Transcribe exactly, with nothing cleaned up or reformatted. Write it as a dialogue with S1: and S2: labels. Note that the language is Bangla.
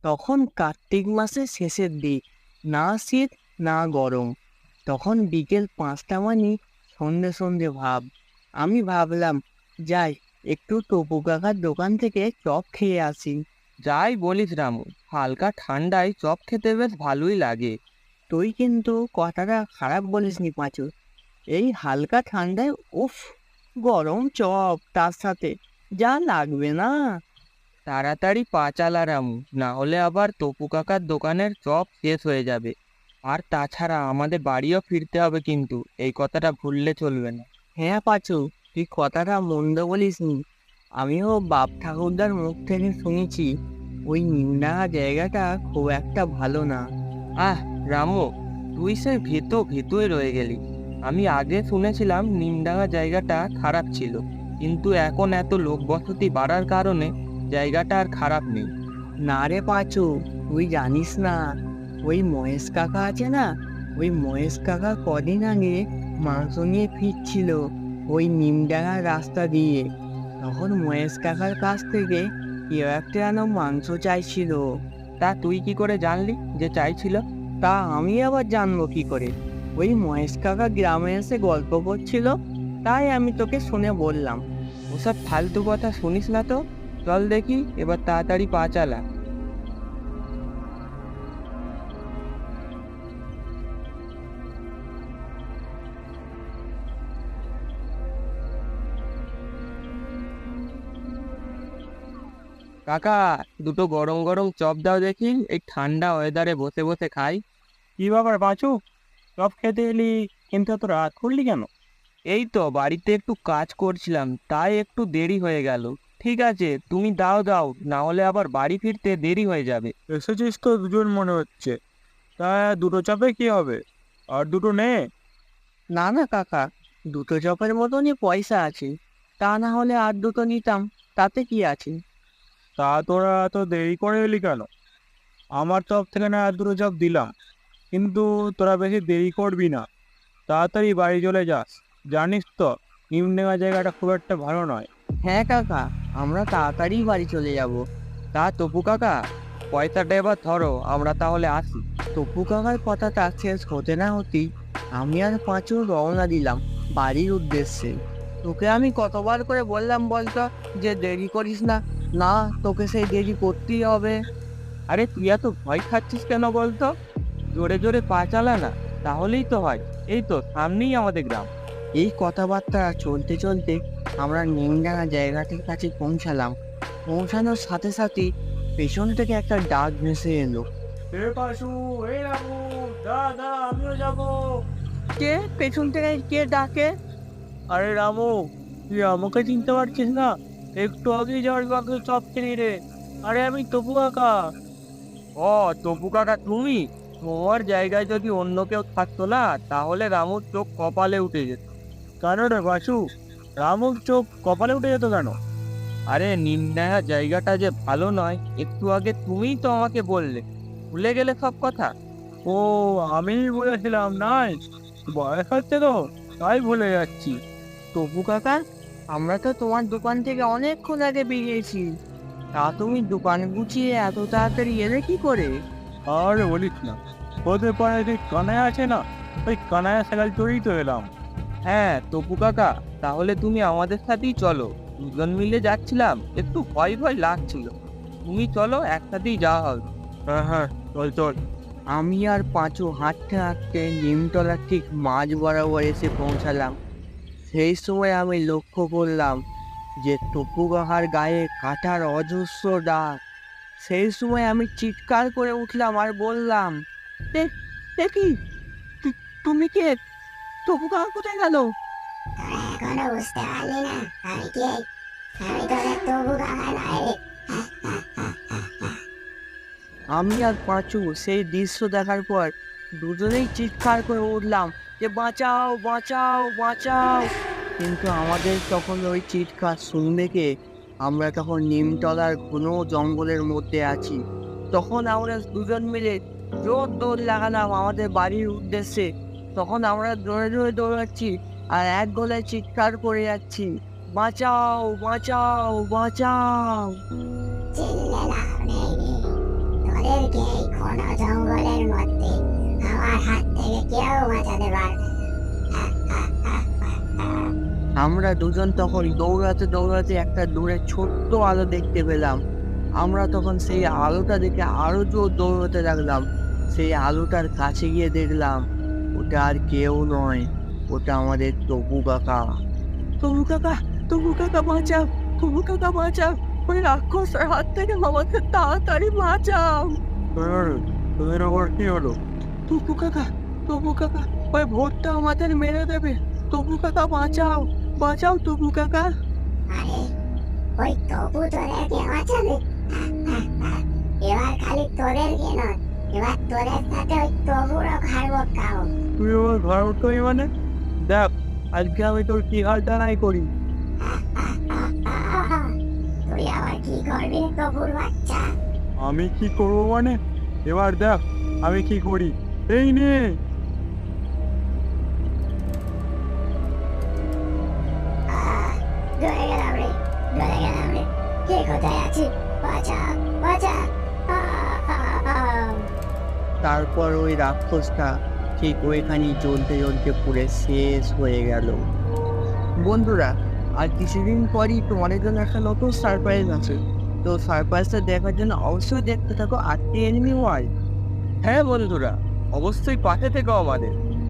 S1: তখন কার্তিক মাসের শেষের দিক, না শীত না গরম। তখন বিকেল পাঁচটা মানে সন্ধে সন্ধে ভাব। আমি ভাবলাম, যাই একটু টপু কাকার দোকান থেকে চপ খেয়ে আসি।
S2: যাই বলিস রামু, হালকা ঠান্ডায় চপ খেতে বেশ ভালোই লাগে।
S1: তুই কিন্তু কথাটা খারাপ বলিসনি পাঁচু। এই হালকা ঠান্ডায় উফ, গরম চপ তার সাথে যা লাগবে না।
S2: তাড়াতাড়ি পা চালা রামু, না হলে আবার তপু কাকার দোকানের চপ শেষ হয়ে যাবে। আর তাছাড়া আমাদের বাড়িও ফিরতে হবে, কিন্তু এই কথাটা ভুললে চলবে না।
S1: হ্যাঁ পাঁচু, তুই কথাটা মন্দ বলিসনি। আমিও বাপ ঠাকুরদার মুখ থেকে শুনেছি ওই নিমডাঙা জায়গাটা খুব একটা ভালো না।
S2: আহ রামু, তুই সে ভীত ভীতই রয়ে গেলি। আমি আগে শুনেছিলাম নিমডাঙ্গা জায়গাটা খারাপ ছিল, কিন্তু এখন এত লোকবসতি বাড়ার কারণে জায়গাটা আর খারাপ নেই।
S1: না রে পাঁচু, তুই জানিস না, ওই মহেশ কাকা আছে না, ওই মহেশ কাকা কদিন আগে মাংস নিয়ে ফিরছিল ওই নিমডাঙার রাস্তা দিয়ে। তখন মহেশ কাকার কাছ থেকে কেউ একটা যেন মাংস চাইছিল।
S2: তা তুই কি করে জানলি যে চাইছিল?
S1: তা আমি আবার জানবো কি করে? ওই মহেশ কাকা গ্রামে এসে গল্প করছিল, তাই আমি তোকে শুনে বললাম।
S2: ওসব ফালতু কথা শুনিস না তো। চল দেখি, এবার তাড়াতাড়ি পা চালা। কাকা, দুটো গরম গরম চপ দাও দেখি, এই ঠান্ডা ওয়েদারে বসে বসে খাই।
S3: কি ব্যাপার পাঁচু, চপ খেতে এলি কিন্তু এত রাত করলি কেন?
S2: এই তো বাড়িতে একটু কাজ করছিলাম, তাই একটু দেরি হয়ে গেল। ঠিক আছে, তুমি দাও দাও, না হলে আবার বাড়ি ফিরতে দেরি হয়ে যাবে।
S3: এসেছিস তো দুজন মনে হচ্ছে, তা দুটো চাপে কি হবে? আর দুটো নে।
S1: না না কাকা, দুটো চপের মতনই পয়সা আছে, তা না হলে আর দুটো নিতাম, তাতে কি আছে?
S3: তা তোরা এত দেরি করে এলি কেন? আমার চপ থেকে না আর দুটো চপ দিলাম, কিন্তু তোরা বেশি দেরি করবি না, তাড়াতাড়ি বাড়ি চলে যাস। জানিস তো নিমডেঙ্গা জায়গাটা খুব একটা ভালো নয়।
S1: হ্যাঁ কাকা, আমরা তাড়াতাড়ি বাড়ি চলে যাব।
S2: তা তপু কাকা, পয়সাটা এবার ধরো, আমরা তাহলে আসি।
S1: টপু কাকার কথাটা শেষ হতে না হতেই আমি আর পাঁচু রওনা দিলাম বাড়ির উদ্দেশ্যে। তোকে আমি কতবার করে বললাম বলতো যে দেরি করিস না। না, তোকে সেই দেরি করতেই হবে।
S2: আরে তুই এত ভয় খাচ্ছিস কেন বলতো? জোরে জোরে পা চালা না, তাহলেই তো হয়। এই তো সামনেই আমাদের গ্রাম।
S1: এই কথাবার্তা চলতে চলতে আমরা নিমডাঙা জায়গাটির কাছে পৌঁছালাম। পৌঁছানোর সাথে সাথে পেছন থেকে একটা ডাক ভেসে এলো।
S3: এ পাশু, এই রামু, দাদা আমিও যাবো।
S1: কে পেছন থেকে কে ডাকে?
S3: আরে রামু, তুই আমাকে চিনতে পারছিস না? একটু আগেই যাওয়ার বাকি চপ কিনি রে। আরে আমি তপু কাকা।
S2: ও তপু কাকা তুমি? তোমার জায়গায় যদি অন্য কেউ থাকতো না, তাহলে রামুর চোখ কপালে উঠে যেত।
S3: কেন রে বাসু, রামুর চোখ কপালে উঠে যেত কেন?
S2: আরে নিমডাঙ্গা জায়গাটা যে ভালো নয়, একটু আগে তুমিই তো আমাকে বললে। ভুলে গেলে সব কথা?
S3: ও, আমি বলেছিলাম নাই, বয়স হচ্ছে তো তাই ভুলে যাচ্ছি।
S1: তপু কাকা, আমরা তো তোমার দোকান থেকে অনেকক্ষণ আগে বেরিয়েছি, তা তুমি দোকান গুছিয়ে এত তাড়াতাড়ি এলে কি করে?
S3: আর বলিস না, ওদের পাড়ায় যে কানায় আছে না, ওই কানায় সাইকেল চড়েই তো এলাম।
S2: হ্যাঁ তপু কাকা, তাহলে তুমি আমাদের সাথেই চলো। দুজন মিলে যাচ্ছিলাম, একটু ভয় ভয় লাগছিল। তুমি চলো, একসাথেই যাওয়া হবে।
S3: হ্যাঁ হ্যাঁ, চল চল।
S1: আমি আর পাঁচু হাঁটতে হাঁটতে নিমতলার ঠিক মাঝ বরাবর এসে পৌঁছালাম। সেই সময় আমি লক্ষ্য করলাম যে টপু কাকার গায়ে কাঁটার অজস্র দাগ। সেই সময় আমি চিৎকার করে উঠলাম আর বললাম, "এ এ কি? তু- তুমি কে? টপু কাকা কোথায় গেল?"
S4: তোরা এখনো বুঝতে পারলি না আমি কে? আমি তোদের তবু কাকা নয় রে।
S1: আমি আর পাঁচু সেই দৃশ্য দেখার পর দুজনেই চিৎকার করে উঠলাম যে, বাঁচাও বাঁচাও বাঁচাও! কিন্তু আমাদের তখন ওই চিৎকার শুনবে কে? আমরা তখন নিমতলার ঘন জঙ্গলের মধ্যে আছি। তখন আমরা দুজন মিলে জোর দৌড় লাগালাম আমাদের বাড়ির উদ্দেশ্যে। তখন আমরা জোরে জোরে দৌড়াচ্ছি আর এক গলায় চিৎকার করে যাচ্ছি, বাঁচাও বাঁচাও বাঁচাও!
S4: চিনলে লাভ নেই রে, আজকের মধ্যে আমার হাত থেকে কেউ বাঁচাতে পারবে না।
S1: আমরা দুজন তখন দৌড়াতে দৌড়াতে একটা দূরে ছোট্ট আলো দেখতে পেলাম। আমরা তখন সেই আলোটা দেখে আরো জোর দৌড়াতে লাগলাম। সেই আলোটার কাছে গিয়ে দেখলাম ওটা আর কেউ নয়, ওটা আমাদের তবু কাকা। তবু কাকা, তবু কাকা বাঁচাও, তবু কাকা বাঁচাও, ওই রাক্ষসের হাত থেকে আমাকে তাড়াতাড়ি বাঁচাও।
S3: তোদের আবার কি হলো?
S1: তবু কাকা, তবু কাকা, ওই ভোটটা আমাদের মেরে দেবে। তবু কাকা বাঁচাও, বাঁচাও তবু কাকা।
S4: আরে ওই তবু তোদেরকে বাঁচাবে? এবার খালি তোদেরকে নয়, এবার তোদের সাথে ওই তবুরও ঘাড় খাও।
S3: তুই আমার ঘর উঠবি মানে? দেখ আজকে আমি তোর কি হাল টানাই করি।
S4: তুই আবার কি করবি রে তবুর বাচ্চা?
S3: আমি কি করবো মানে? এবার দেখ আমি কি করি। এই নে।
S4: আহ, ডরে গেলাম রে, ডরে গেলাম রে। কে কোথায় আছে? বাঁচা, বাঁচা। আহ, আহ, আহ।
S1: তারপর ওই রাক্ষসটা ঠিক ওইখানে জ্বলতে জ্বলতে পুড়ে শেষ হয়ে গেল। বন্ধুরা, আর কিছুদিন পরই তোমাদের জন্য একটা নতুন সারপ্রাইজ আছে। তো সারপ্রাইজটা দেখার জন্য অবশ্যই দেখতে থাকো আরটি এনিমি ওয়ার্ল্ড।
S2: হ্যাঁ বন্ধুরা, অবশ্যই পাশে থেকো আমাদের।